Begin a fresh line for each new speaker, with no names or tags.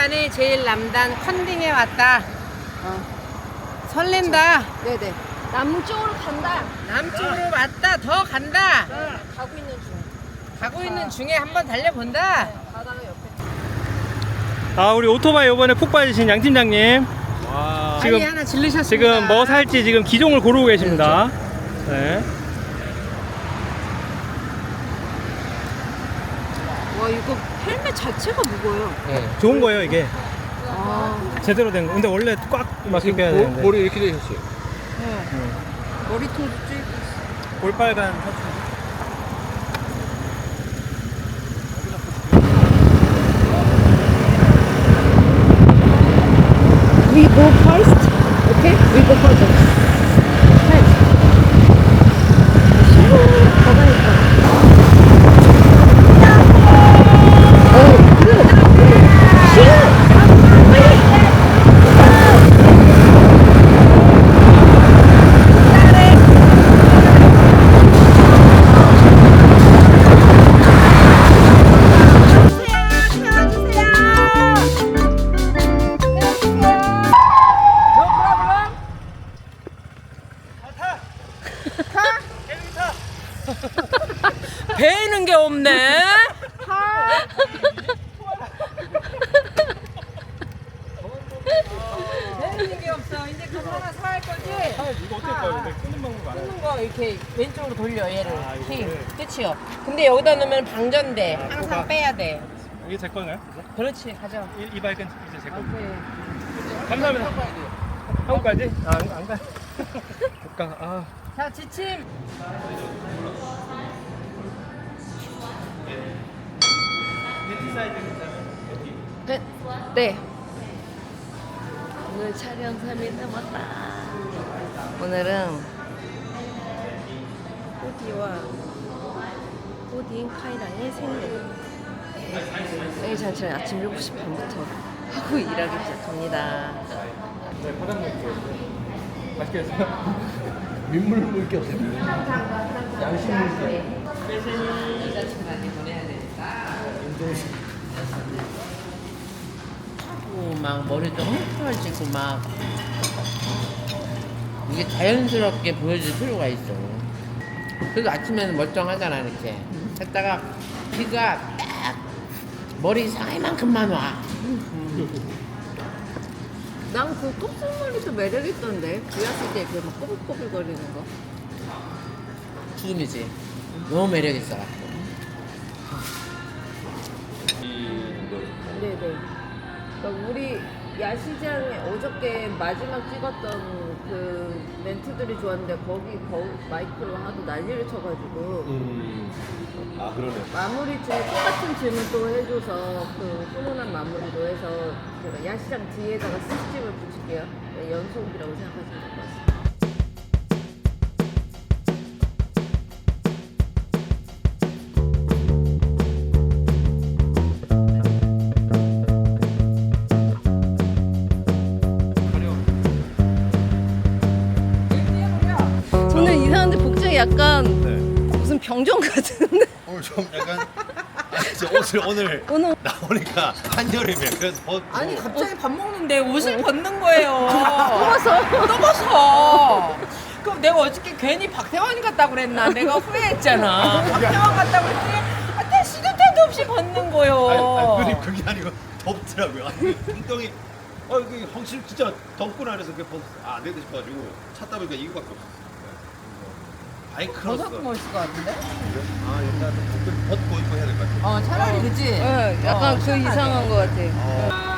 오랜만에 제일 남단 컨딩에 왔다. 설렌다.
네네. 남쪽으로 간다.
남쪽으로 왔다. 더 간다.
가고 있는 중.
가고 있는 중에 한번 달려본다.
바다가 옆에.
아, 우리 오토바이 이번에 푹 빠지신 양 팀장님.
지금 하나 질르셨습니다.
지금 뭐 살지 지금 기종을 고르고 계십니다. 네.
와 이거 헬멧 자체가 무거워요.
네.
좋은 거예요, 이게.
아.
제대로 된 거. 근데 원래 꽉 맞게 껴야 되는데.
머리 이렇게 되셨어요.
네. 머리통도 쭉 있어.
볼빨간 셔츠.
We go first. Okay? We go first.
배이는 게 없네. 배이는 게 없어. 이제 그거 하나 사할 거지?
이거 어떨까요? 근데 끄는 방법 알아요?
끄는 거 이렇게 왼쪽으로 돌려 얘를.
아, 이거를?
힘. 끝이요. 근데 여기다 넣으면 방전돼. 항상
뭐가?
빼야 돼.
이게 제 건가요?
그렇지. 가져.
이 바이크는 이제 제 거.
오케이.
감사합니다. 한국까지? 아, 안 가. 못 가. 아.
자, 지침.
네. 오늘 촬영 3일 남았다. 오늘은 호디와 호디인 카이랑의 생일. 생일 잔치는 아침 7시 반부터 하고 일하기 시작합니다.
네, 바닥 먹을게요. 맛있게 했어요?
민물 물게 없어요. 양심 물게.
막 머리도 헝클어지고 막 이게 자연스럽게 보여줄 필요가 있어. 그래도 아침에는 멀쩡하잖아 이렇게. 했다가 비가 딱 머리 사이만큼만 와.
난 그 곱슬머리도 매력있던데. 비 왔을 때 이렇게 막 꼬불꼬불거리는 거.
죽음이지. 너무 매력 있어갖고.
네네. 그러니까 우리 야시장에 어저께 마지막 찍었던 그 멘트들이 좋았는데 거기 마이크로 하도 난리를 쳐가지고
아 그러네.
마무리 중에 똑같은 질문 또 해줘서 그 훈훈한 마무리로 해서 그 야시장 뒤에다가 스티커를 붙일게요. 네, 연속이라고 생각하시면 될 것 같습니다. 저는 이상한데 복장이 약간 무슨 병정 같은데?
오늘 좀 약간 옷을 오늘 나오니까 한여름이야. 그래서 벗고.
아니 갑자기 밥 먹는데 옷을 벗는 거예요.
떠서.
그럼 내가 어저께 괜히 박태환 같다고 그랬나? 내가 후회했잖아. 박태환 같다고 그랬더니 나 시도 때도 없이 벗는 거요.
아니, 그게 아니고 덥더라고요. 아니, 운동이 이게 확실히 진짜 덥구나 그래서 그게 안 되고 싶어가지고 찾다 보니까 이거밖에 없었어요. 바이크로서.
벗어도 멋있을 것 같은데?
아 일단 벗고 입고 해야 될 것 같아요.
차라리 그치?
네, 약간 그
시원하게.
이상한 것 같아.